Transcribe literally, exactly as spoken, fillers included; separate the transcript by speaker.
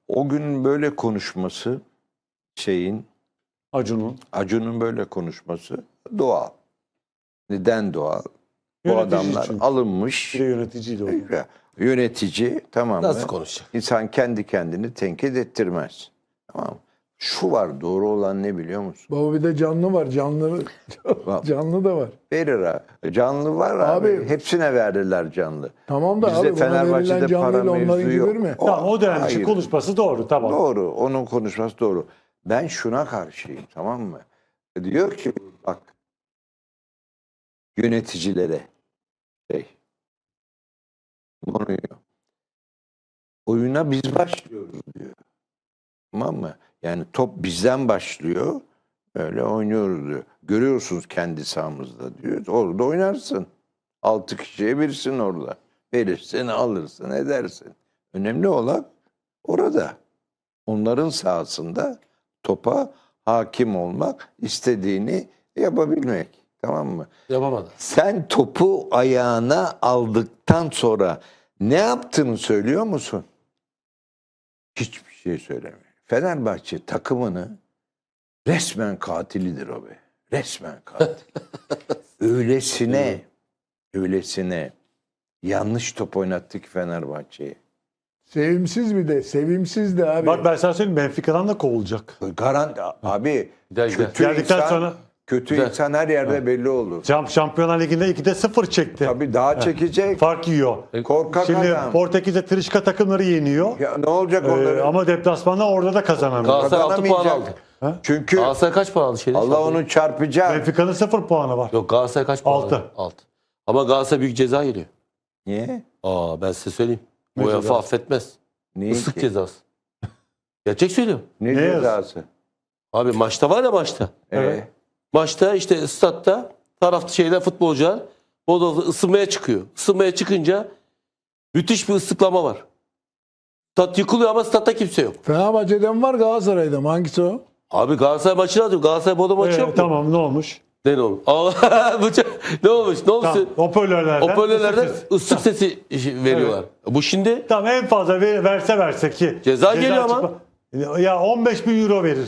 Speaker 1: o gün böyle konuşması şeyin
Speaker 2: Acun'un.
Speaker 1: Acun'un böyle konuşması doğal. Neden doğal? Bu
Speaker 2: Yönetici
Speaker 1: adamlar
Speaker 2: çünkü.
Speaker 1: alınmış.
Speaker 2: Bir de yöneticiydi o.
Speaker 1: Yönetici, tamam mı?
Speaker 3: Nasıl konuşacak?
Speaker 1: İnsan kendi kendini tenkit ettirmez. Tamam mı? Şu var, doğru olan ne biliyor musun?
Speaker 4: Baba bir de canlı var. Canlı canlı da var.
Speaker 1: Verir ha. Canlı var abi.
Speaker 4: Abi-
Speaker 1: Hepsine verdiler canlı.
Speaker 4: Tamam da
Speaker 1: Bizde
Speaker 4: abi buna
Speaker 1: Fenerbahçe'de
Speaker 4: verilen canlıyla
Speaker 1: para
Speaker 4: onların
Speaker 1: mevzu
Speaker 4: gibi
Speaker 1: yok.
Speaker 4: mi?
Speaker 2: Tamam, o dönem için
Speaker 1: hayır.
Speaker 2: konuşması doğru, tamam.
Speaker 1: Doğru. Onun konuşması doğru. Ben şuna karşıyım, tamam mı? Diyor ki bak yöneticilere şey Mourinho, oyuna biz başlıyoruz diyor. Tamam mı? Yani top bizden başlıyor. Öyle oynuyoruz diyor. Görüyorsunuz kendi sahamızda diyor. Orada oynarsın. Altı kişiye birisin orada. Verirsin, alırsın, edersin. Önemli olan orada. Onların sahasında topa hakim olmak, istediğini yapabilmek. Tamam mı?
Speaker 3: Yapamadı.
Speaker 1: Sen topu ayağına aldıktan sonra ne yaptığını söylüyor musun? Hiçbir şey söylemiyor. Fenerbahçe takımını resmen katilidir o be. Resmen katil. öylesine, öylesine yanlış top oynattı ki Fenerbahçe'yi.
Speaker 4: Sevimsiz bir de. Sevimsiz de abi.
Speaker 2: Bak ben sana söyleyeyim, Benfica'dan da kovulacak.
Speaker 1: Garanti abi
Speaker 3: Güzel, güzel.
Speaker 1: kötü
Speaker 2: Geldikten
Speaker 1: insan,
Speaker 2: sonra
Speaker 1: kötü
Speaker 3: Güzel.
Speaker 1: insan her yerde belli olur.
Speaker 2: Şamp- Şampiyonlar Ligi'nde ikide sıfır çekti.
Speaker 1: Tabii daha çekecek.
Speaker 2: Fark yiyor.
Speaker 1: Korkak
Speaker 2: Şimdi
Speaker 1: adam.
Speaker 2: Portekiz'de Trişka takımları yeniyor.
Speaker 1: Ya ne olacak
Speaker 2: Ee,
Speaker 1: onların?
Speaker 2: ama deplasmanda orada da kazanamıyor.
Speaker 3: Galatasaray altı puan
Speaker 1: Kazanamayacak.
Speaker 3: aldı.
Speaker 1: Çünkü
Speaker 3: Galatasaray kaç puan aldı şeyde?
Speaker 1: Allah onu çarpacak.
Speaker 2: Benfica'nın sıfır puanı var.
Speaker 3: Yok, Galatasaray kaç puan
Speaker 2: Altı.
Speaker 3: aldı? altı. Ama Galatasaray büyük ceza geliyor.
Speaker 1: Niye?
Speaker 3: Aa, ben size söyleyeyim.
Speaker 2: Ne
Speaker 3: UEFA
Speaker 2: cezası?
Speaker 3: affetmez.
Speaker 1: Niye
Speaker 3: Islık
Speaker 1: ki?
Speaker 3: cezası. Gerçek söylüyorum.
Speaker 1: Ne,
Speaker 2: Ne yaz-
Speaker 1: cezası?
Speaker 3: Abi maçta var ya maçta.
Speaker 2: Evet.
Speaker 1: Ee,
Speaker 3: Maçta işte statta tarafta şeyler futbolcular bodozda ısınmaya çıkıyor. Isınmaya çıkınca müthiş bir ıslıklama var. Stat yıkılıyor ama statta kimse yok.
Speaker 4: Fenerbahçe'den var, Galatasaray'da mı? Hangisi o?
Speaker 3: Abi Galatasaray maçını atıyor. Galatasaray Bodo maçı
Speaker 2: Ee,
Speaker 3: yok mu?
Speaker 2: tamam, ne olmuş?
Speaker 3: Ne olmuş? Allah bu çok- ne olmuş? Ne olmuş?
Speaker 2: Tamam, hoparlörlerden.
Speaker 3: Hoparlörlerden
Speaker 2: ıslık sesi.
Speaker 3: ıslık sesi veriyorlar. Bu şimdi
Speaker 2: Tamam, en fazla ver- verse verse ki.
Speaker 3: Ceza geliyor ama.
Speaker 2: çıkma- Ya on beş bin euro verir.